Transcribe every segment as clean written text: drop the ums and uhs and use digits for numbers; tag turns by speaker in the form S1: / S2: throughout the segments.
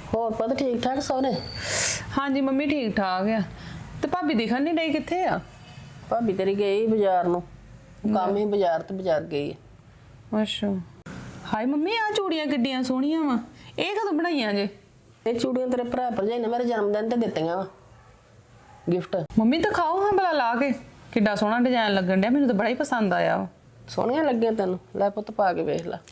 S1: ਹੋਰ ਪਤਾ ਠੀਕ ਠਾਕ ਸੋਨੇ?
S2: ਹਾਂਜੀ ਮੰਮੀ ਠੀਕ ਠਾਕ ਆ। ਤੇ ਭਾਬੀ ਦਿਖਣ ਨਹੀਂ ਡਈ, ਕਿੱਥੇ ਆ?
S1: ਭਾਬੀ ਤੇਰੀ ਗਈ ਬਾਜ਼ਾਰ ਨੂੰ, ਕੰਮ ਹੀ ਬਾਜ਼ਾਰ ਤੇ ਬਾਜ਼ਾਰ ਗਈ ਹੈ।
S2: ਅੱਛਾ। ਹਾਏ ਮੰਮੀ ਆ ਚੂੜੀਆਂ ਕਿੱਡੀਆਂ ਸੋਹਣੀਆਂ ਵਾ, ਇਹ ਕਦੋਂ ਬਣਾਈਆਂ ਜੇ?
S1: ਇਹ ਚੂੜੀਆਂ ਤੇਰੇ ਭਰਾ ਭਰਜਾਈ ਨੇ ਮੇਰੇ ਜਨਮ ਦਿਨ ਤੇ ਦਿੱਤੀਆਂ ਵਾ ਗਿਫਟ।
S2: ਮੰਮੀ ਤਾਂ ਖਾਓ ਹਾਂ ਭਲਾ ਲਾ ਕੇ, ਕਿੱਡਾ ਸੋਹਣਾ ਡਿਜ਼ਾਈਨ ਲੱਗਣ ਡਿਆ, ਮੈਨੂੰ ਤਾਂ ਬੜਾ ਹੀ ਪਸੰਦ ਆਇਆ ਵਾ।
S1: ਸੋਹਣੀਆਂ ਲੱਗੀਆਂ ਤੈਨੂੰ? ਲੈ ਪੁੱਤ ਪਾ ਕੇ ਵੇਖ ਲੈ।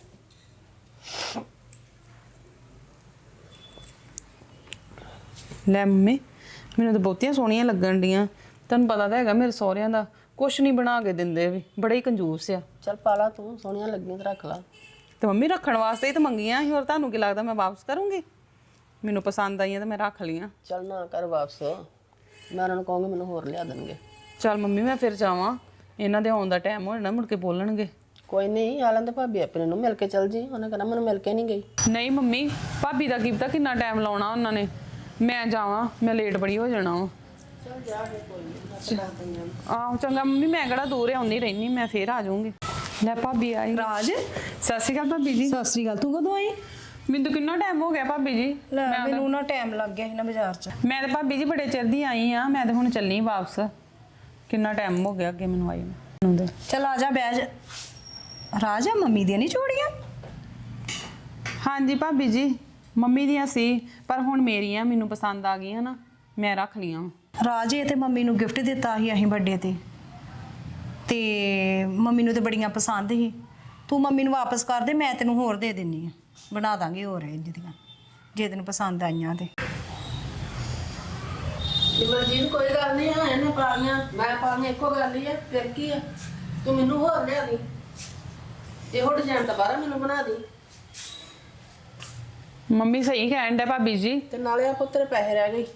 S2: ਲੈ ਮੰਮੀ ਮੈਨੂੰ ਤਾਂ ਬਹੁਤੀਆਂ ਸੋਹਣੀਆਂ ਲੱਗਣ ਡੀਆਂ। ਤੈਨੂੰ ਪਤਾ ਤਾਂ ਹੈਗਾ ਮੇਰੇ ਸਹੁਰਿਆਂ ਦਾ ਕੁਛ ਨਹੀਂ ਬਣਾ ਕੇ ਦਿੰਦੇ, ਵੀ ਬੜੇ ਹੀ ਕੰਜੂਸ ਆ।
S1: ਚੱਲ ਪਾ ਲਾ ਤੂੰ, ਸੋਹਣੀਆਂ ਲੱਗੀਆਂ ਤੇ ਰੱਖ ਲਾ।
S2: ਤੇ ਮੰਮੀ ਰੱਖਣ ਵਾਸਤੇ ਹੀ ਤਾਂ ਮੰਗੀਆਂ ਸੀ, ਹੋਰ ਤੁਹਾਨੂੰ ਕੀ ਲੱਗਦਾ ਮੈਂ ਵਾਪਸ ਕਰੂੰਗੀ? ਮੈਨੂੰ ਪਸੰਦ ਆਈਆਂ ਤਾਂ ਮੈਂ ਰੱਖ ਲਈਆਂ।
S1: ਚੱਲ ਨਾ ਕਰ ਵਾਪਸ, ਮੈਂ ਉਹਨਾਂ ਨੂੰ ਕਹੂੰਗੀ ਮੈਨੂੰ ਹੋਰ ਲਿਆ ਦੇਣਗੇ।
S2: ਚੱਲ ਮੰਮੀ ਮੈਂ ਫਿਰ ਜਾਵਾਂ, ਇਹਨਾਂ ਦੇ ਆਉਣ ਦਾ ਟਾਈਮ ਹੋ ਜਾਣਾ, ਮੁੜ ਕੇ ਬੋਲਣਗੇ।
S1: ਕੋਈ ਨਹੀਂ, ਆ ਲੈਂਦੇ ਭਾਬੀ ਆਪਣੇ ਨੂੰ, ਮਿਲ ਕੇ ਚੱਲ ਜੀ। ਉਹਨੇ ਕਹਿਣਾ ਮੈਨੂੰ ਮਿਲ ਕੇ ਨਹੀਂ ਗਈ।
S2: ਨਹੀਂ ਮੰਮੀ, ਭਾਬੀ ਦਾ ਕੀ ਪਤਾ ਕਿੰਨਾ ਟਾਈਮ ਲਾਉਣਾ ਉਹਨਾਂ ਨੇ। ਮੈਂ ਜਾਵਾਂ, ਮੈਂ ਲੇਟ ਬੜੀ ਹੋ ਜਾਣਾ ਵਾ।
S1: ਚੱਲ ਜਾ ਫਿਰ, ਕੋਈ ਨਹੀਂ।
S2: ਆਹੋ ਚੰਗਾ ਮੰਮੀ, ਮੈਂ ਕਿਹੜਾ ਦੂਰ ਆਉਂਦੀ ਰਹਿਣੀ, ਮੈਂ ਫੇਰ ਆ ਜਾਊਂਗੀ। ਲੈ ਭਾਬੀ ਆਈ।
S3: ਰਾਜ,
S2: ਸਤਿ ਸ਼੍ਰੀ ਅਕਾਲ ਭਾਬੀ ਜੀ।
S3: ਸਤਿ ਸ੍ਰੀ ਅਕਾਲ। ਤੂੰ ਕਦੋਂ ਆਈ?
S2: ਮੈਨੂੰ ਤਾਂ ਕਿੰਨਾ ਟਾਈਮ ਹੋ ਗਿਆ ਭਾਬੀ ਜੀ।
S3: ਲੈ ਮੈਨੂੰ ਨਾ ਟਾਈਮ ਲੱਗ ਗਿਆ ਸੀ ਨਾ ਬਾਜ਼ਾਰ 'ਚ।
S2: ਮੈਂ ਤਾਂ ਭਾਬੀ ਜੀ ਬੜੇ ਚਿਰ ਦੀ ਆਈ ਆ, ਮੈਂ ਤਾਂ ਹੁਣ ਚੱਲੀ ਵਾਪਸ। ਕਿੰਨਾ ਟਾਈਮ ਹੋ ਗਿਆ ਅੱਗੇ ਮੈਨੂੰ ਆਈ ਨੂੰ।
S3: ਚਲ ਆ ਜਾ ਬਹਿ ਜਾ। ਰਾਜ, ਮੰਮੀ ਦੀਆਂ ਨਹੀਂ ਚੂੜੀਆਂ?
S2: ਹਾਂਜੀ ਭਾਬੀ ਜੀ, ਮੰਮੀ ਦੀਆਂ ਸੀ, ਪਰ ਹੁਣ ਮੇਰੀਆਂ ਮੈਨੂੰ ਪਸੰਦ ਆ ਗਈਆਂ ਨਾ, ਮੈਂ ਰੱਖ ਲਈਆਂ।
S3: ਰਾਜ, ਇਹ ਤੇ ਮੰਮੀ ਨੂੰ ਗਿਫਟ ਦਿੱਤਾ ਸੀ ਅਸੀਂ ਬਰਥਡੇ ਤੇ ਮੰਮੀ ਨੂੰ ਤੇ ਬੜੀਆਂ ਪਸੰਦ ਸੀ। ਤੂੰ ਮੰਮੀ ਨੂੰ ਵਾਪਸ ਕਰ ਦੇ, ਮੈਂ ਤੈਨੂੰ ਹੋਰ ਦੇ ਦਿੰਨੀ ਆ, ਬਣਾ ਦਾਂਗੇ ਹੋਰ ਇੰਜ ਦੀਆਂ ਜੇ ਤੈਨੂੰ ਪਸੰਦ ਆਈਆਂ ਤੇ।
S1: ਮਰਜੀਤ ਕੋਈ ਗੱਲ ਨਹੀਂ ਆ, ਇਹਨੇ ਪਾਲੀਆਂ ਮੈਂ ਪਾਲੀਆਂ ਇੱਕੋ ਗੱਲ ਹੀ ਆ, ਫਿਰ ਕੀ ਆ? ਤੂੰ ਮੈਨੂੰ ਹੋਰ ਲਿਆ ਦੀ, ਇਹੋ ਡਿਜ਼ਾਈਨ ਦੁਬਾਰਾ ਮੈਨੂੰ ਬਣਾ ਦੀ।
S2: ਮੰਮੀ ਸਹੀ ਕਹਿਣ ਡਿਆ ਭਾਬੀ ਜੀ।
S1: ਤੇ ਨਾਲੇ ਆ ਪੁੱਤਰ ਪੈਸੇ ਰਹਿ ਗਏ।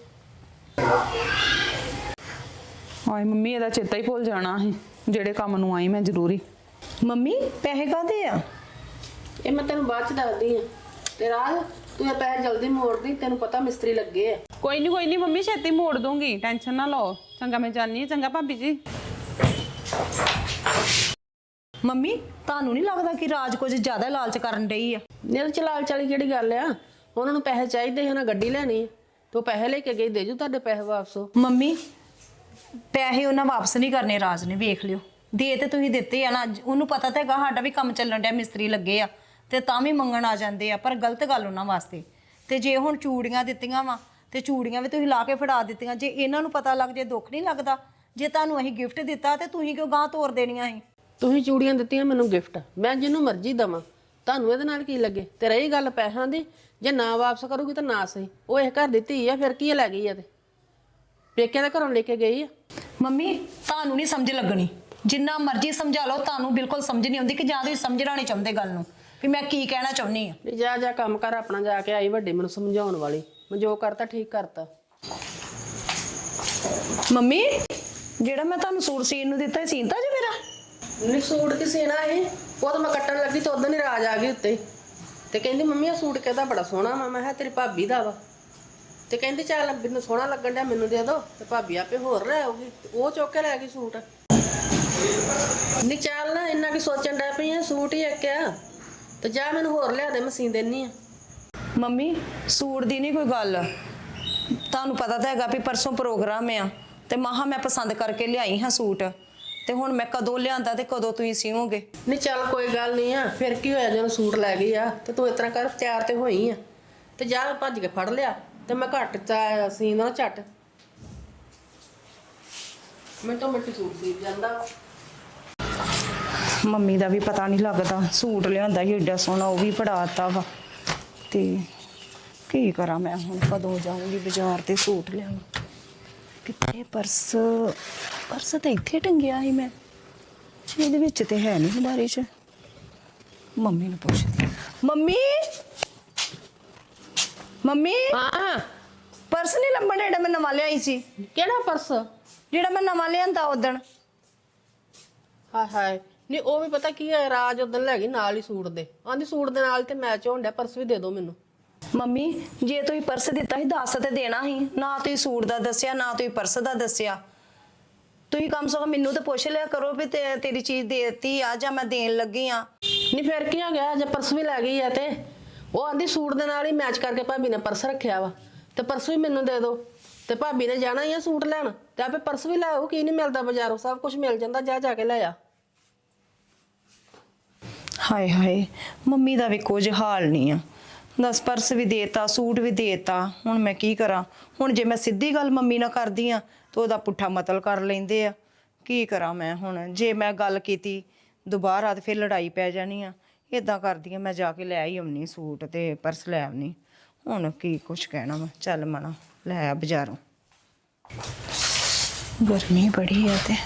S2: ਹਾਏ ਮੰਮੀ, ਇਹਦਾ ਚੇਤਾ ਹੀ ਭੁੱਲ ਜਾਣਾ ਸੀ, ਜਿਹੜੇ ਕੰਮ ਨੂੰ ਆਈ ਮੈਂ ਜ਼ਰੂਰੀ।
S3: ਮੰਮੀ ਪੈਸੇ ਕਾਹਦੇ ਆ?
S1: ਇਹ ਮੈਂ ਤੈਨੂੰ ਬਾਅਦ ਚ ਦੱਸਦੀ ਆ। ਤੇ ਰਾਜ, ਤੂੰ ਇਹ ਪੈਸੇ ਜਲਦੀ ਮੋੜ ਦੀ, ਤੈਨੂੰ ਪਤਾ ਮਿਸਤਰੀ ਲੱਗੇ ਆ।
S2: ਕੋਈ ਨਹੀਂ ਮੰਮੀ, ਛੇਤੀ ਮੋੜ ਦੂੰਗੀ, ਟੈਨਸ਼ਨ ਨਾ ਲਓ। ਚੰਗਾ ਮੈਂ ਜਾਣੀ, ਚੰਗਾ ਭਾਬੀ ਜੀ।
S3: ਮੰਮੀ, ਤੁਹਾਨੂੰ ਨਹੀਂ ਲੱਗਦਾ ਕਿ ਰਾਜ ਕੁਝ ਜ਼ਿਆਦਾ ਲਾਲਚ ਕਰਨ ਡਈ ਆ?
S1: ਨਿਲ ਚਲਾਲ ਚਾਲੀ ਕਿਹੜੀ ਗੱਲ ਆ? ਉਹਨਾਂ ਨੂੰ ਪੈਸੇ ਚਾਹੀਦੇ ਸੀ, ਉਹਨਾਂ ਗੱਡੀ ਲੈਣੀ ਆ, ਤੂੰ ਪੈਸੇ ਲੈ ਕੇ ਗਈ, ਦੇ ਜੂ ਤੁਹਾਡੇ ਪੈਸੇ ਵਾਪਸ।
S3: ਮੰਮੀ, ਪੈਸੇ ਉਹਨਾਂ ਵਾਪਸ ਨਹੀਂ ਕਰਨੇ ਰਾਜ ਨੇ, ਵੇਖ ਲਿਓ। ਦੇ ਤੇ ਤੁਸੀਂ ਦਿੱਤੇ ਆ ਨਾ, ਉਹਨੂੰ ਪਤਾ ਤਾਂ ਹੈਗਾ ਸਾਡਾ ਵੀ ਕੰਮ ਚੱਲਣ ਡਿਆ, ਮਿਸਤਰੀ ਲੱਗੇ ਆ, ਤੇ ਤਾਂ ਵੀ ਮੰਗਣ ਆ ਜਾਂਦੇ ਆ, ਪਰ ਗਲਤ ਗੱਲ ਉਹਨਾਂ ਵਾਸਤੇ। ਤੇ ਜੇ ਹੁਣ ਚੂੜੀਆਂ ਦਿੱਤੀਆਂ ਵਾ ਤੇ ਚੂੜੀਆਂ ਵੀ ਤੁਸੀਂ ਲਾ ਕੇ ਫੜਾ ਦਿੱਤੀਆਂ, ਜੇ ਇਹਨਾਂ ਨੂੰ ਪਤਾ ਲੱਗ ਜੇ ਦੁੱਖ ਨਹੀਂ ਲੱਗਦਾ? ਜੇ ਤੁਹਾਨੂੰ ਅਸੀਂ ਗਿਫਟ ਦਿੱਤਾ ਤੇ ਤੁਸੀਂ ਕਿਉਂ ਗਾਂ ਤੋਰ ਦੇਣੀਆਂ ਸੀ?
S1: ਤੁਸੀਂ ਚੂੜੀਆਂ ਦਿੱਤੀਆਂ ਮੈਨੂੰ ਗਿਫਟ, ਮੈਂ ਜਿਹਨੂੰ ਮਰਜ਼ੀ ਦੇਵਾਂ, ਤੁਹਾਨੂੰ ਇਹਦੇ ਨਾਲ ਕੀ ਲੱਗੇ? ਤੇ ਰਹੀ ਗੱਲ ਪੈਸਿਆਂ ਦੀ, ਜੇ ਨਾ ਵਾਪਸ ਕਰੂਗੀ ਤਾਂ ਨਾ ਸਹੀ, ਉਹ ਇਹ ਘਰ ਦੀ ਧੀ ਆ, ਫਿਰ ਕੀ ਲੈ ਗਈ ਆ? ਤੇ ਪੇਕਿਆਂ ਦੇ ਘਰੋਂ ਲੈ ਕੇ ਗਈ ਆ।
S3: ਮੰਮੀ, ਤੁਹਾਨੂੰ ਨਹੀਂ ਸਮਝ ਲੱਗਣੀ, ਜਿੰਨਾ ਮਰਜ਼ੀ ਸਮਝਾ ਲਓ, ਤੁਹਾਨੂੰ ਬਿਲਕੁਲ ਸਮਝ ਨਹੀਂ ਆਉਂਦੀ ਕਿ ਜਾਂ ਤੁਸੀਂ ਸਮਝਣਾ ਨਹੀਂ ਚਾਹੁੰਦੇ ਗੱਲ ਨੂੰ ਵੀ ਮੈਂ ਕੀ ਕਹਿਣਾ ਚਾਹੁੰਦੀ ਆ।
S1: ਨਹੀਂ, ਜਾ ਜਾ ਕੰਮ ਕਰ ਆਪਣਾ, ਜਾ ਕੇ ਆਈ ਵੱਡੀ ਮੈਨੂੰ ਸਮਝਾਉਣ ਵਾਲੀ, ਮੈਂ ਜੋ ਕਰਤਾ ਠੀਕ ਕਰਤਾ।
S3: ਮੰਮੀ, ਜਿਹੜਾ ਮੈਂ ਤੁਹਾਨੂੰ ਸੂਟ ਸੀਨ ਨੂੰ ਦਿੱਤਾ ਸੀਨਤਾ ਜੀ ਮੇਰਾ?
S1: ਨਹੀਂ, ਸੂਟ ਕੀ ਸੀਣਾ ਇਹ? ਉਹ ਤਾਂ ਮੈਂ ਕੱਟਣ ਲੱਗੀ ਤੇ ਉਦੋਂ ਹੀ ਰਾਜ ਆ ਗਈ ਉੱਤੇ, ਤੇ ਕਹਿੰਦੀ ਮੰਮੀ ਆ ਸੂਟ ਕਿਹਦਾ ਬੜਾ ਸੋਹਣਾ ਵਾ। ਮੈਂ ਕਿਹਾ ਤੇਰੀ ਭਾਬੀ ਦਾ ਵਾ। ਤੇ ਕਹਿੰਦੀ ਚੱਲ ਮੈਨੂੰ ਸੋਹਣਾ ਲੱਗਣ ਡਿਆ, ਮੈਨੂੰ ਦੇ ਦੋ, ਤੇ ਭਾਬੀ ਆਪੇ ਹੋਰ ਲੈ ਆਉਗੀ। ਉਹ ਚੁੱਕ ਕੇ ਲੈ ਗਈ ਸੂਟ। ਨਹੀਂ ਚੱਲ ਨਾ, ਇੰਨਾ ਕੀ ਸੋਚਣ ਡਿਆ ਪਈ ਆ, ਸੂਟ ਹੀ ਇੱਕ ਆ, ਤੇ ਜਾ ਮੈਨੂੰ ਹੋਰ ਲਿਆ ਦੇ, ਮੈਂ ਸੀਨ ਦੇਣੀ ਆ।
S3: ਮੰਮੀ, ਸੂਟ ਦੀ ਨਹੀਂ ਕੋਈ ਗੱਲ, ਤੁਹਾਨੂੰ ਪਤਾ ਤਾਂ ਹੈਗਾ ਵੀ ਪਰਸੋਂ ਪ੍ਰੋਗਰਾਮ ਆ, ਤੇ ਮਹਾ ਮੈਂ ਪਸੰਦ ਕਰਕੇ ਲਿਆਈ ਹਾਂ ਸੂਟ, ਤੇ ਹੁਣ ਮੈਂ ਕਦੋਂ ਲਿਆਂਦਾ ਤੇ ਕਦੋਂ ਤੁਸੀਂ ਸੀਵੋਗੇ?
S1: ਨਹੀਂ ਚੱਲ ਕੋਈ ਗੱਲ ਨਹੀਂ ਆ, ਫਿਰ ਕੀ ਹੋਇਆ ਜਦੋਂ ਸੂਟ ਲੈ ਗਈ ਆ, ਤੇ ਤੂੰ ਇਸ ਤਰ੍ਹਾਂ ਕਰ, ਤਿਆਰ ਤੇ ਹੋਈ ਆ, ਤੇ ਜਾ ਭੱਜ ਕੇ ਫੜ ਲਿਆ, ਤੇ ਮੈਂ ਘੱਟ ਸੀਨ ਨਾ ਝੱਟ ਮਿੰਟੋ ਮਿੰਟ ਸੂਟ ਸੀਵ ਜਾਂਦਾ।
S3: ਮੰਮੀ ਦਾ ਵੀ ਪਤਾ ਨਹੀਂ ਲੱਗਦਾ, ਸੂਟ ਲਿਆਂਦਾ ਸੀ ਏਡਾ ਸੋਹਣਾ, ਉਹ ਵੀ ਫੜਾਤਾ ਵਾ। ਤੇ ਕੀ ਕਰਾਂ ਮੈਂ ਹੁਣ, ਕਦੋਂ ਜਾਊਂਗੀ ਬਾਜ਼ਾਰ ਤੇ ਸੂਟ ਲਿਆਵਾਂ? ਕਿੱਥੇ ਪਰਸ? ਪਰਸ ਤਾਂ ਇੱਥੇ ਟੰਗਿਆ ਸੀ ਮੈਂ, ਇਹਦੇ ਵਿੱਚ ਤੇ ਹੈ ਨਹੀਂ ਹਮਾਰੇ 'ਚ। ਮੰਮੀ ਨੂੰ ਪੁੱਛਦੀ। ਮੰਮੀ, ਮੰਮੀ,
S1: ਹਾਂ,
S3: ਪਰਸ ਨਹੀਂ ਲੱਭਣ ਜਿਹੜਾ ਮੈਂ ਨਵਾਂ ਲਿਆਈ ਸੀ?
S1: ਕਿਹੜਾ ਪਰਸ?
S3: ਜਿਹੜਾ ਮੈਂ ਨਵਾਂ ਲਿਆਂਦਾ ਉਦਣ।
S1: ਹਾਏ ਹਾਏ, ਨਹੀਂ ਉਹ ਵੀ ਪਤਾ ਕੀ ਹੈ, ਰਾਜ ਉਦੋਂ ਲੈ ਗਈ ਨਾਲ ਹੀ ਸੂਟ ਦੇ, ਆਂਦੀ ਸੂਟ ਦੇ ਨਾਲ ਤੇ ਮੈਚ ਹੋਣ ਡਿਆ, ਪਰਸ ਵੀ ਦੇ ਦਿਓ ਮੈਨੂੰ।
S3: ਮੰਮੀ, ਜੇ ਤੁਸੀਂ ਪਰਸ ਦਿੱਤਾ ਸੀ ਦੱਸ ਤੇ ਦੇਣਾ ਸੀ, ਨਾ ਤੁਸੀਂ ਸੂਟ ਦਾ ਦੱਸਿਆ, ਨਾ ਤੁਸੀਂ ਪਰਸ ਦਾ ਦੱਸਿਆ। ਤੁਸੀਂ ਕਮ ਸੇ ਕਮ ਮੈਨੂੰ ਤਾਂ ਪੁੱਛ ਲਿਆ ਕਰੋ ਵੀ ਤੇਰੀ ਚੀਜ਼ ਦੇਤੀ ਆ ਜਾਂ ਮੈਂ ਦੇਣ ਲੱਗੀ ਆ।
S1: ਨਹੀਂ ਫਿਰ ਕੀ ਹੋ ਗਿਆ, ਜੇ ਪਰਸ ਵੀ ਲੈ ਗਈ ਆ ਤੇ ਉਹ ਆਂਦੀ ਸੂਟ ਦੇ ਨਾਲ ਹੀ ਮੈਚ ਕਰਕੇ ਭਾਬੀ ਨੇ ਪਰਸ ਰੱਖਿਆ ਵਾ ਤੇ ਪਰਸ ਵੀ ਮੈਨੂੰ ਦੇ ਦਿਓ ਤੇ ਭਾਬੀ ਨੇ ਜਾਣਾ ਹੀ ਆ ਸੂਟ ਲੈਣ ਤੇ ਆਪੇ ਪਰਸ ਵੀ ਲੈ ਆਓ। ਕੀ ਨਹੀਂ ਮਿਲਦਾ ਬਾਜ਼ਾਰੋਂ, ਸਭ ਕੁਝ ਮਿਲ ਜਾਂਦਾ, ਜਾ ਜਾ ਕੇ ਲੈ ਆ।
S3: ਹਾਏ ਹਾਏ, ਮੰਮੀ ਦਾ ਵੀ ਕੁਝ ਹਾਲ ਨਹੀਂ ਆ। ਦਸ ਪਰਸ ਵੀ ਦੇਤਾ, ਸੂਟ ਵੀ ਦੇਤਾ, ਹੁਣ ਮੈਂ ਕੀ ਕਰਾਂ? ਹੁਣ ਜੇ ਮੈਂ ਸਿੱਧੀ ਗੱਲ ਮੰਮੀ ਨਾਲ ਕਰਦੀ ਆ ਤਾਂ ਉਹਦਾ ਪੁੱਠਾ ਮਤਲਬ ਕਰ ਲੈਂਦੇ ਆ। ਕੀ ਕਰਾਂ ਮੈਂ ਹੁਣ? ਜੇ ਮੈਂ ਗੱਲ ਕੀਤੀ ਦੁਬਾਰਾ ਤੇ ਫਿਰ ਲੜਾਈ ਪੈ ਜਾਣੀ ਆ। ਇਦਾਂ ਕਰਦੀ ਆ, ਮੈਂ ਜਾ ਕੇ ਲੈ ਹੀ ਆਉਣੀ ਸੂਟ ਤੇ ਪਰਸ ਲੈ ਆਉਣੀ। ਹੁਣ ਕੀ ਕੁਛ ਕਹਿਣਾ ਮੈਂ। ਚੱਲ ਮਣਾ ਲੈ ਆ ਬਾਜ਼ਾਰੋਂ। ਗਰਮੀ ਬੜੀ ਆ ਤੇ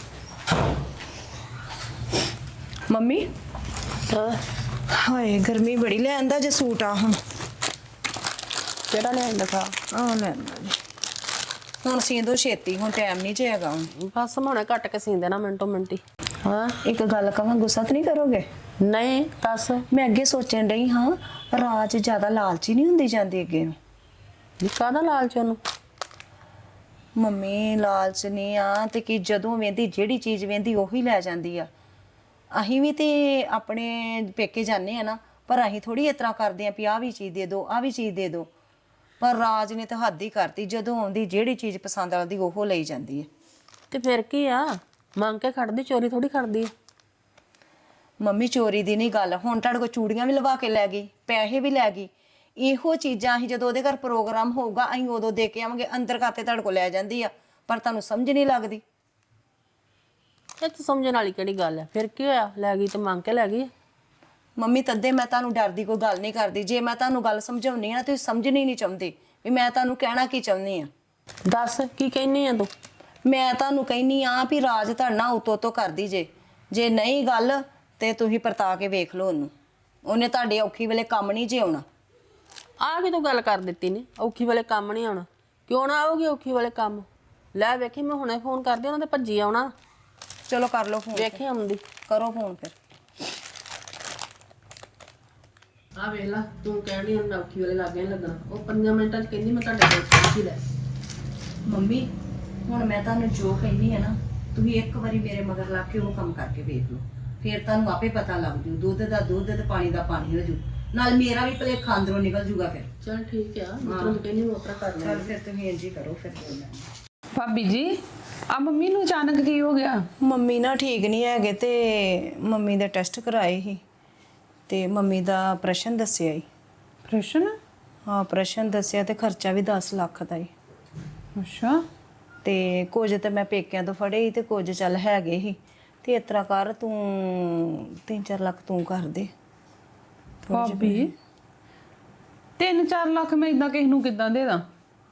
S3: ਮੰਮੀ
S1: ਹਾਂ,
S3: ਹਾਏ ਗਰਮੀ ਬੜੀ। ਲੈ ਆਂਦਾ ਜੇ ਸੂਟ ਆ ਹੁਣ।
S1: ਕਿਹੜਾ ਲੈਣ ਦਿਖਾ?
S3: ਆ ਲੈ ਆਂਦਾ ਜੀ। ਹੁਣ ਸੀਂਦੋ ਛੇਤੀ, ਹੁਣ ਟਾਈਮ ਨਹੀਂ ਜਾਏਗਾ ਹੁਣ।
S1: ਬਸ ਹੁਣੇ ਕੱਟ ਕੇ ਸੀਂਦੇ ਨਾ ਮਿੰਟੋ ਮਿੰਟੀ। ਹਾਂ,
S3: ਇੱਕ ਗੱਲ ਕਹਾਂ, ਗੁੱਸਾ ਤਾਂ ਨਹੀਂ ਕਰੋਗੇ?
S1: ਨਹੀਂ ਦੱਸ।
S3: ਮੈਂ ਅੱਗੇ ਸੋਚਣ ਡਈ ਹਾਂ, ਰਾਜ ਜ਼ਿਆਦਾ ਲਾਲਚੀ ਨਹੀਂ ਹੁੰਦੀ ਜਾਂਦੀ ਅੱਗੇ ਨੂੰ।
S1: ਕਾਹਦਾ ਲਾਲਚ ਉਹਨੂੰ?
S3: ਮੰਮੀ ਲਾਲਚ ਨਹੀਂ ਆ ਤੇ ਕਿ ਜਦੋਂ ਵੇਂਦੀ ਜਿਹੜੀ ਚੀਜ਼ ਵੇਂਦੀ ਉਹੀ ਲੈ ਜਾਂਦੀ ਆ। ਅਸੀਂ ਵੀ ਤੇ ਆਪਣੇ ਪੇਕੇ ਜਾਂਦੇ ਆ ਨਾ, ਪਰ ਅਸੀਂ ਥੋੜੀ ਇਸ ਤਰ੍ਹਾਂ ਕਰਦੇ ਆ ਵੀ ਆਹ ਵੀ ਚੀਜ਼ ਦੇ ਦਿਓ, ਆਹ ਵੀ ਚੀਜ਼ ਦੇ ਦਿਓ। ਪਰ ਰਾਜ ਨੇ ਤਾਂ ਹੱਦ ਹੀ ਕਰਤੀ, ਜਦੋਂ ਆਉਂਦੀ ਜਿਹੜੀ ਚੀਜ਼ ਪਸੰਦ ਆਉਂਦੀ ਉਹ ਲਈ ਜਾਂਦੀ ਹੈ।
S1: ਤੇ ਫਿਰ ਕੀ ਆ, ਮੰਗ ਕੇ ਖੜਦੀ, ਚੋਰੀ ਥੋੜੀ ਖੜਦੀ ਆ।
S3: ਮੰਮੀ ਚੋਰੀ ਦੀ ਨਹੀਂ ਗੱਲ, ਹੁਣ ਤੁਹਾਡੇ ਕੋਲ ਚੂੜੀਆਂ ਵੀ ਲਵਾ ਕੇ ਲੈ ਗਈ, ਪੈਸੇ ਵੀ ਲੈ ਗਈ। ਇਹੋ ਚੀਜ਼ਾਂ ਅਸੀਂ ਜਦੋਂ ਉਹਦੇ ਘਰ ਪ੍ਰੋਗਰਾਮ ਹੋਊਗਾ ਅਸੀਂ ਉਦੋਂ ਦੇ ਕੇ ਆਵਾਂਗੇ। ਅੰਦਰ ਖਾਤੇ ਤੁਹਾਡੇ ਕੋਲ ਲੈ ਜਾਂਦੀ ਆ, ਪਰ ਤੁਹਾਨੂੰ ਸਮਝ ਨਹੀਂ ਲੱਗਦੀ।
S1: ਇਹ ਤਾਂ ਸਮਝਣ ਵਾਲੀ ਕਿਹੜੀ ਗੱਲ ਹੈ? ਫਿਰ ਕੀ ਹੋਇਆ, ਲੈ ਗਈ ਤੇ ਮੰਗ ਕੇ ਲੈ ਗਈ।
S3: ਮੰਮੀ ਤੱਦੇ ਮੈਂ ਤੁਹਾਨੂੰ ਡਰਦੀ ਕੋਈ ਗੱਲ ਨਹੀਂ ਕਰਦੀ। ਜੇ ਮੈਂ ਤੁਹਾਨੂੰ ਗੱਲ ਸਮਝਾਉਣੀ ਆ ਨਾ, ਤੁਸੀਂ ਸਮਝਣੀ ਨਹੀਂ ਚਾਹੁੰਦੇ ਵੀ ਮੈਂ ਤੁਹਾਨੂੰ ਕਹਿਣਾ ਕੀ ਚਾਹੁੰਦੀ ਆ।
S1: ਦੱਸ ਕੀ ਕਹਿਨੀ ਆ ਤੂੰ?
S3: ਮੈਂ ਤੁਹਾਨੂੰ ਕਹਿੰਨੀ ਆ ਵੀ ਰਾਜ ਤੁਹਾਡਾ ਉਤੋਂ ਕਰਦੀ ਜੇ ਨਹੀਂ ਗੱਲ ਤੇ ਤੁਸੀਂ ਪਰਤਾ ਕੇ ਵੇਖ ਲਓ ਉਹਨੂੰ। ਉਹਨੇ ਤੁਹਾਡੇ ਔਖੀ ਵੇਲੇ ਕੰਮ ਨਹੀਂ ਜੇ ਆਉਣਾ।
S1: ਆ ਕੇ ਤੂੰ ਗੱਲ ਕਰ ਦਿੱਤੀ ਨੇ, ਔਖੀ ਵਾਲੇ ਕੰਮ ਨਹੀਂ ਆਉਣਾ। ਕਿਉਂ ਨਾ ਆਉਗੀ ਔਖੀ ਵਾਲੇ ਕੰਮ? ਲੈ ਵੇਖੀ, ਮੈਂ ਹੁਣੇ ਫੋਨ ਕਰਦੀ, ਉਹਨਾਂ ਦੇ ਭੱਜੀ ਆਉਣਾ।
S3: ਚਲੋ ਕਰ ਲਓ ਫੋਨ।
S1: ਵੇਖੀ ਆਉਂਦੀ।
S3: ਕਰੋ ਫੋਨ ਫਿਰ।
S1: ਆ ਵੇਖ ਲਾ, ਤੂੰ ਕਹਿਣੀ ਉਹਨਾਂ ਔਖੀ ਵਾਲੇ ਲੱਗੇ ਨਹੀਂ ਲੱਗਣਾ। ਉਹ 5 ਮਿੰਟਾਂ 'ਚ ਕਹਿੰਦੀ ਮੈਂ ਤੁਹਾਡੇ ਕੋਲ ਪਹੁੰਚੀ ਲੈ।
S3: ਮੰਮੀ ਹੁਣ ਮੈਂ ਤੁਹਾਨੂੰ ਜੋ ਕਹਿੰਦੀ ਆ ਨਾ, ਤੁਸੀਂ ਇੱਕ ਵਾਰੀ ਮੇਰੇ ਮਗਰ ਲੱਗ ਕੇ ਉਹ ਕੰਮ ਕਰਕੇ ਵੇਖ ਲਓ, ਫਿਰ ਤੁਹਾਨੂੰ ਆਪੇ ਪਤਾ ਲੱਗ ਜੂ। ਦੁੱਧ ਦਾ ਦੁੱਧ ਤੇ ਪਾਣੀ ਦਾ ਪਾਣੀ ਹੋ ਜੂ, ਨਾਲ ਮੇਰਾ ਵੀ ਭਲੇਖਾ ਅੰਦਰੋਂ ਨਿਕਲ ਜੂਗਾ ਫਿਰ।
S1: ਚਲ ਠੀਕ ਆ, ਮੈਂ ਤੈਨੂੰ ਕਹਿੰਦੀ ਉਹ ਆਪਣਾ ਕਰ ਲੈ।
S3: ਚਲ ਫਿਰ ਤੁਸੀਂ ਇੰਝ ਹੀ ਕਰੋ ਫਿਰ।
S2: ਭਾਬੀ ਜੀ, ਆ ਮੰਮੀ ਨੂੰ ਅਚਾਨਕ ਕੀ ਹੋ ਗਿਆ?
S3: ਮੰਮੀ ਨਾ ਠੀਕ ਨਹੀਂ ਹੈਗੇ ਤੇ ਮੰਮੀ ਦੇ ਟੈਸਟ ਕਰਾਏ ਸੀ ਤੇ ਮੰਮੀ ਦਾ ਆਪਰੇਸ਼ਨ ਦੱਸਿਆ ਹੀ।
S2: ਪ੍ਰਸ਼ਨ?
S3: ਹਾਂ ਆਪਰੇਸ਼ਨ ਦੱਸਿਆ ਤੇ ਖਰਚਾ ਵੀ 10 ਲੱਖ ਦਾ ਹੀ।
S2: ਅੱਛਾ।
S3: ਤੇ ਕੁਝ ਤੇ ਮੈਂ ਪੇਕਿਆਂ ਤੋਂ ਫੜੇ ਸੀ ਤੇ ਕੁਝ ਚੱਲ ਹੈਗੇ ਸੀ। ਤੇ ਇਸ ਤਰ੍ਹਾਂ ਕਰ, ਤੂੰ 3-4 ਲੱਖ ਤੂੰ ਕਰ ਦੇ।
S2: ਭਾਬੀ 3-4 ਲੱਖ ਮੈਂ ਇਦਾਂ ਕਿਸ ਨੂੰ ਕਿੱਦਾਂ ਦੇ ਦਾਂ?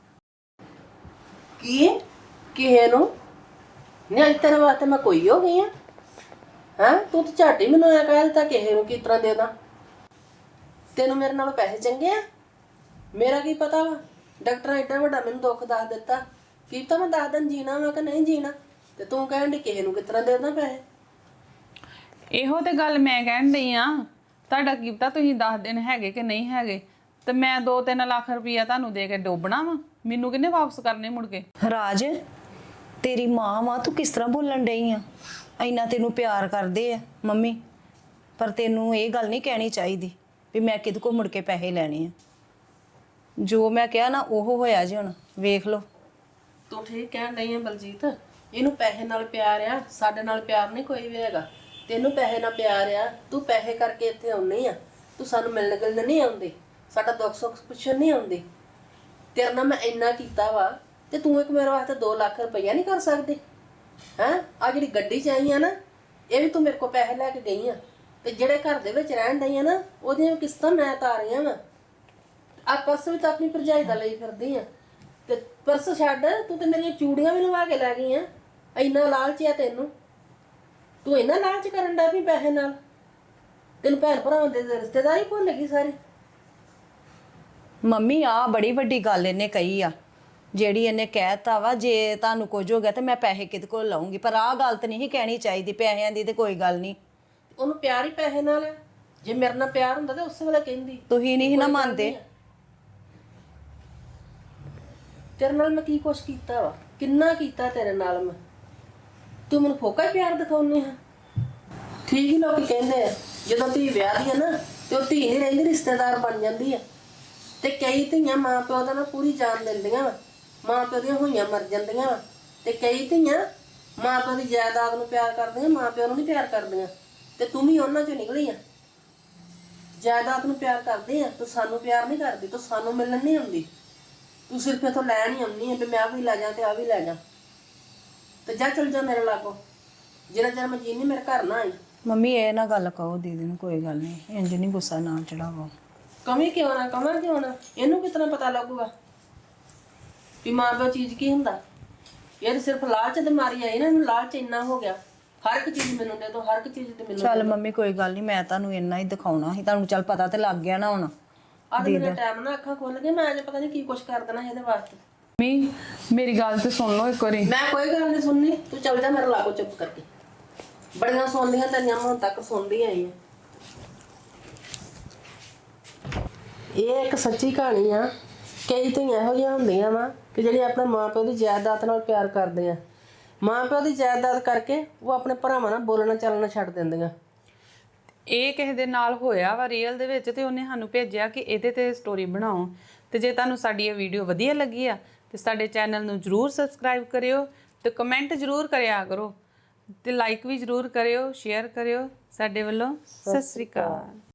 S1: ਕੀ ਕਿਸੇ ਨੂੰ ਨਹੀਂ? ਅੱਜ ਤੇਰੇ ਵਾਸਤੇ ਮੈਂ ਕੋਈ ਹੋ ਗਈ ਆ? ਹਾਂ, ਤੂੰ ਤਾਂ ਝਾਟੀ ਮੈਨੂੰ ਐ ਕਹਿ ਦਿੱਤਾ ਕਿਸੇ ਨੂੰ ਕਿਸ ਤਰ੍ਹਾਂ ਦੇ ਦਾਂ। ਤੈਨੂੰ ਮੇਰੇ ਨਾਲੋਂ ਪੈਸੇ ਚੰਗੇ ਆ? ਮੇਰਾ ਕੀ ਪਤਾ ਵਾ, ਡਾਕਟਰ ਐਡਾ ਵੱਡਾ ਮੈਨੂੰ ਦੁੱਖ ਦੱਸ ਦਿੱਤਾ, ਕੀ ਤਾਂ ਮੈਂ 10 ਦਿਨ ਜੀਣਾ ਵਾ ਕਿ ਨਹੀਂ ਜੀਣਾ, ਤੇ ਤੂੰ ਕਹਿਣ ਦੀ ਕਿਸੇ ਨੂੰ ਕਿਸ ਤਰ੍ਹਾਂ ਦੇ ਦਾਂ ਪੈਸੇ।
S2: ਇਹੋ ਤੇ ਗੱਲ ਮੈਂ ਕਹਿਣ ਡਈ ਆ। ਤੁਹਾਡਾ ਕੀ ਪਤਾ ਤੁਸੀਂ 10 ਦਿਨ ਹੈਗੇ ਕਿ ਨਹੀਂ ਹੈਗੇ, ਤੇ ਮੈਂ 2-3 ਲੱਖ ਰੁਪਈਆ ਤੁਹਾਨੂੰ ਦੇ ਕੇ ਡੋਬਣਾ ਵਾ। ਮੈਨੂੰ ਕਿੰਨੇ ਵਾਪਸ ਕਰਨੇ ਮੁੜ ਕੇ?
S3: ਰਾਜ ਤੇਰੀ ਮਾਂ ਵਾ, ਤੂੰ ਕਿਸ ਤਰ੍ਹਾਂ ਬੋਲਣ ਡਈ ਆ? ਇੰਨਾ ਤੈਨੂੰ ਪਿਆਰ ਕਰਦੇ ਆ ਮੰਮੀ, ਪਰ ਤੈਨੂੰ ਇਹ ਗੱਲ ਨਹੀਂ ਕਹਿਣੀ ਚਾਹੀਦੀ ਵੀ ਮੈਂ ਕਿਹਦੇ ਕੋਲ ਮੁੜ ਕੇ ਪੈਸੇ ਲੈਣੇ ਆ। ਜੋ ਮੈਂ ਕਿਹਾ ਨਾ ਉਹ ਹੋਇਆ ਜੀ, ਹੁਣ ਵੇਖ ਲਓ।
S1: ਤੂੰ ਠੀਕ ਕਹਿਣ ਡਈ ਆ ਬਲਜੀਤ, ਇਹਨੂੰ ਪੈਸੇ ਨਾਲ ਪਿਆਰ ਆ, ਸਾਡੇ ਨਾਲ ਪਿਆਰ ਨਹੀਂ ਕੋਈ ਵੀ ਹੈਗਾ। ਤੈਨੂੰ ਪੈਸੇ ਨਾਲ ਪਿਆਰ ਆ, ਤੂੰ ਪੈਸੇ ਕਰਕੇ ਇੱਥੇ ਆਉਣੀ ਆ, ਤੂੰ ਸਾਨੂੰ ਮਿਲਣ ਗਿਲਣ ਨਹੀਂ ਆਉਂਦੀ, ਸਾਡਾ ਦੁੱਖ ਸੁੱਖ ਪੁੱਛਣ ਨਹੀਂ ਆਉਂਦੀ। ਤੇਰੇ ਨਾਲ ਮੈਂ ਇੰਨਾ ਕੀਤਾ ਵਾ ਤੇ ਤੂੰ ਇੱਕ ਮੇਰੇ ਵਾਸਤੇ 2 ਲੱਖ ਰੁਪਈਆ ਨਹੀਂ ਕਰ ਸਕਦੀ? ਹੈਂ, ਆ ਜਿਹੜੀ ਗੱਡੀ 'ਚ ਆਈ ਆ ਨਾ, ਇਹ ਵੀ ਤੂੰ ਮੇਰੇ ਕੋਲ ਪੈਸੇ ਲੈ ਕੇ ਗਈ ਆ, ਤੇ ਜਿਹੜੇ ਘਰ ਦੇ ਵਿੱਚ ਰਹਿਣ ਡਈ ਆ ਨਾ, ਉਹਦੀਆਂ ਕਿਸ਼ਤਾਂ ਮੈਂ ਤਾਰੀਆਂ ਵਾ। ਆ ਪਰਸ ਵੀ ਤਾਂ ਆਪਣੀ ਭਰਜਾਈ ਦਾ ਲਈ ਫਿਰਦੀ ਆ, ਤੇ ਪਰਸ ਛੱਡ, ਤੂੰ ਤੇ ਮੇਰੀਆਂ ਚੂੜੀਆਂ ਵੀ ਲਵਾ ਕੇ ਲੈ ਗਈ ਆ। ਇੰਨਾ ਲਾਲਚ ਆ ਤੈਨੂੰ? ਤੂੰ ਇੰਨਾ ਲਾਲਚ ਕਰਨ ਦਾ ਵੀ ਪੈਸੇ ਨਾਲ? ਤੈਨੂੰ ਭੈਣ ਭਰਾਵਾਂ ਦੇ ਰਿਸ਼ਤੇਦਾਰੀ ਭੁੱਲ ਗਈ ਸਾਰੀ?
S3: ਮੰਮੀ ਆ ਬੜੀ ਵੱਡੀ ਗੱਲ ਇਹਨੇ ਕਹੀ ਆ, ਜਿਹੜੀ ਇਹਨੇ ਕਹਿਤਾ ਵਾ ਜੇ ਤੁਹਾਨੂੰ ਕੁਝ ਹੋ ਗਿਆ ਤੇ ਮੈਂ ਪੈਸੇ ਕਿਹਦੇ ਕੋਲ ਲਾਉਂਗੀ। ਪਰ ਆਹ ਗੱਲ ਤਾਂ ਨਹੀਂ ਕਹਿਣੀ ਚਾਹੀਦੀ, ਪੈਸਿਆਂ ਦੀ ਤੇ ਕੋਈ ਗੱਲ ਨਹੀਂ।
S1: ਉਹਨੂੰ ਪਿਆਰ ਹੀ ਪੈਸੇ ਨਾਲ ਆ। ਜੇ ਮੇਰੇ ਨਾਲ ਪਿਆਰ ਹੁੰਦਾ ਤਾਂ ਉਸੇ ਵੇਲੇ ਕਹਿੰਦੀ।
S3: ਤੁਸੀਂ ਨਹੀਂ ਨਾ ਮੰਨਦੇ।
S1: ਤੇਰੇ ਨਾਲ ਮੈਂ ਕੀ ਕੁਛ ਕੀਤਾ ਵਾ? ਕਿੰਨਾ ਕੀਤਾ ਤੇਰੇ ਨਾਲ ਮੈਂ? ਤੂੰ ਮੈਨੂੰ ਫੋਕਾ ਹੀ ਪਿਆਰ ਦਿਖਾਉਣੀ ਆ। ਠੀਕ ਹੀ ਲੋਕੀ ਕਹਿੰਦੇ ਆ, ਜਦੋਂ ਧੀ ਵਿਆਹ ਦੀ ਆ ਨਾ ਤੇ ਉਹ ਧੀ ਨਹੀਂ ਰਹਿੰਦੀ, ਰਿਸ਼ਤੇਦਾਰ ਬਣ ਜਾਂਦੀ ਆ। ਤੇ ਕਈ ਧੀਆਂ ਮਾਂ ਪਿਓ ਦਾ ਨਾ ਪੂਰੀ ਜਾਨ ਦਿੰਦੀਆਂ ਵਾ, ਮਾਂ ਪਿਓ ਦੀਆਂ ਹੋਈਆਂ ਮਰ ਜਾਂਦੀਆਂ ਵਾ। ਤੇ ਕਈ ਧੀਆਂ ਮਾਂ ਪਿਓ ਦੀ ਜਾਇਦਾਦ ਨੂੰ ਪਿਆਰ ਕਰਦੀਆਂ, ਮਾਂ ਪਿਓ ਨੂੰ ਨਹੀਂ ਪਿਆਰ ਕਰਦੀਆਂ। ਤੇ ਤੂੰ ਵੀ ਉਹਨਾਂ ਚੋਂ ਨਿਕਲੀ ਆ। ਜਾਇਦਾਦ ਨੂੰ ਪਿਆਰ ਕਰਦੇ ਆ, ਤੂੰ ਸਾਨੂੰ ਪਿਆਰ ਨਹੀਂ ਕਰਦੀ, ਤੂੰ ਸਾਨੂੰ ਮਿਲਣ ਨਹੀਂ ਆਉਂਦੀ, ਤੂੰ ਸਿਰਫ ਇੱਥੋਂ ਲੈਣ ਹੀ ਆਉਂਦੀ ਆ ਵੀ ਮੈਂ ਆਹ ਵੀ ਲੈ ਜਾ ਤੇ ਆ ਵੀ ਲੈ ਜਾ। ਤੇ ਜਾ ਚਲ ਜਾ ਮੇਰੇ ਲਾਗੋਂ, ਜਿਹੜਾ ਚਿਰ ਮੈਂ ਜੀਨੀ ਮੇਰੇ ਘਰ ਨਾ ਆਈ।
S3: ਮੰਮੀ ਇਹ ਨਾ ਗੱਲ ਕਹੋ ਦੀਦੀ ਨੂੰ, ਕੋਈ ਗੱਲ ਨਹੀਂ, ਇੰਜ ਨਹੀਂ ਗੁੱਸਾ ਨਾ ਚੜਾਵੋ।
S1: ਕਮੀ ਕਿਉਂ ਨਾ, ਕਮਰ ਕਿਉਂ ਨਾ, ਇਹਨੂੰ ਕਿਤਨਾ ਪਤਾ ਲੱਗੂਗਾ ਵੀ ਮਾਂ ਪਿਓ ਚੀਜ਼ ਕੀ ਹੁੰਦਾ। ਇਹ ਤਾਂ ਸਿਰਫ ਲਾਲਚ ਦੇ ਮਾਰੀ ਆਈ ਨਾ, ਇਹਨੂੰ ਲਾਲਚ ਇੰਨਾ ਹੋ ਗਿਆ, ਹਰ ਇੱਕ ਚੀਜ਼ ਮੈਨੂੰ ਦੇ ਦੋ, ਹਰ ਇੱਕ ਚੀਜ਼ ਤੇ ਮੈਨੂੰ।
S3: ਚੱਲ ਮੰਮੀ ਕੋਈ ਗੱਲ ਨਹੀਂ, ਮੈਂ ਤੁਹਾਨੂੰ ਇੰਨਾ ਹੀ ਦਿਖਾਉਣਾ ਸੀ, ਤੁਹਾਨੂੰ ਚੱਲ ਪਤਾ ਤੇ ਲੱਗ ਗਿਆ ਨਾ ਹੁਣ।
S1: ਅੱਜ ਮੇਰੇ ਟਾਈਮ ਨਾਲ ਅੱਖਾਂ ਖੁੱਲ ਗਏ, ਮੈਂ ਅੱਜ ਪਤਾ ਨਹੀਂ ਕੀ ਕੁਛ ਕਰ ਦੇਣਾ ਇਹਦੇ ਵਾਸਤੇ।
S2: ਮੰਮੀ ਮੇਰੀ ਗੱਲ ਤੇ ਸੁਣ ਲਓ ਇੱਕ ਵਾਰੀ।
S1: ਮੈਂ ਕੋਈ ਗੱਲ ਨਹੀਂ ਸੁਣਨੀ, ਤੂੰ ਚੱਲ ਜਾ ਮੇਰੇ ਲਾਗੋਂ ਚੁੱਪ ਕਰਕੇ। ਬੜੀਆਂ ਸੁਣਦੀਆਂ ਤੇਰੀਆਂ ਹੁਣ ਤੱਕ ਸੁਣਦੀ ਆਈ ਆ। ਇਹ ਇੱਕ ਸੱਚੀ ਕਹਾਣੀ ਆ। ਕਈ ਧੀਆਂ ਇਹੋ ਜਿਹੀਆਂ ਹੁੰਦੀਆਂ ਵਾ ਕਿ ਜਿਹੜੀ ਆਪਣੇ ਮਾਂ ਪਿਓ ਦੀ ਜਾਇਦਾਦ ਨਾਲ ਪਿਆਰ ਕਰਦੇ ਆ, ਮਾਂ ਪਿਓ ਦੀ ਜਾਇਦਾਦ ਕਰਕੇ ਉਹ ਆਪਣੇ ਭਰਾਵਾਂ ਨਾਲ ਬੋਲਣਾ ਚੱਲਣਾ ਛੱਡ ਦਿੰਦੀਆਂ।
S2: ਇਹ ਕਿਸੇ ਦੇ ਨਾਲ ਹੋਇਆ ਵਾ ਰੀਅਲ ਦੇ ਵਿੱਚ, ਤੇ ਉਹਨੇ ਸਾਨੂੰ ਭੇਜਿਆ ਕਿ ਇਹਦੇ ਤੇ ਸਟੋਰੀ ਬਣਾਓ। ਤੇ ਜੇ ਤੁਹਾਨੂੰ ਸਾਡੀ ਇਹ ਵੀਡੀਓ ਵਧੀਆ ਲੱਗੀ ਆ ਤੇ ਸਾਡੇ ਚੈਨਲ ਨੂੰ ਜਰੂਰ ਸਬਸਕ੍ਰਾਈਬ ਕਰਿਓ ਤੇ ਕਮੈਂਟ ਜਰੂਰ ਕਰਿਆ ਕਰੋ ਤੇ ਲਾਈਕ ਵੀ ਜਰੂਰ ਕਰਿਓ, ਸ਼ੇਅਰ ਕਰਿਓ। ਸਾਡੇ ਵੱਲੋਂ ਸਤਿ ਸ੍ਰੀ ਅਕਾਲ।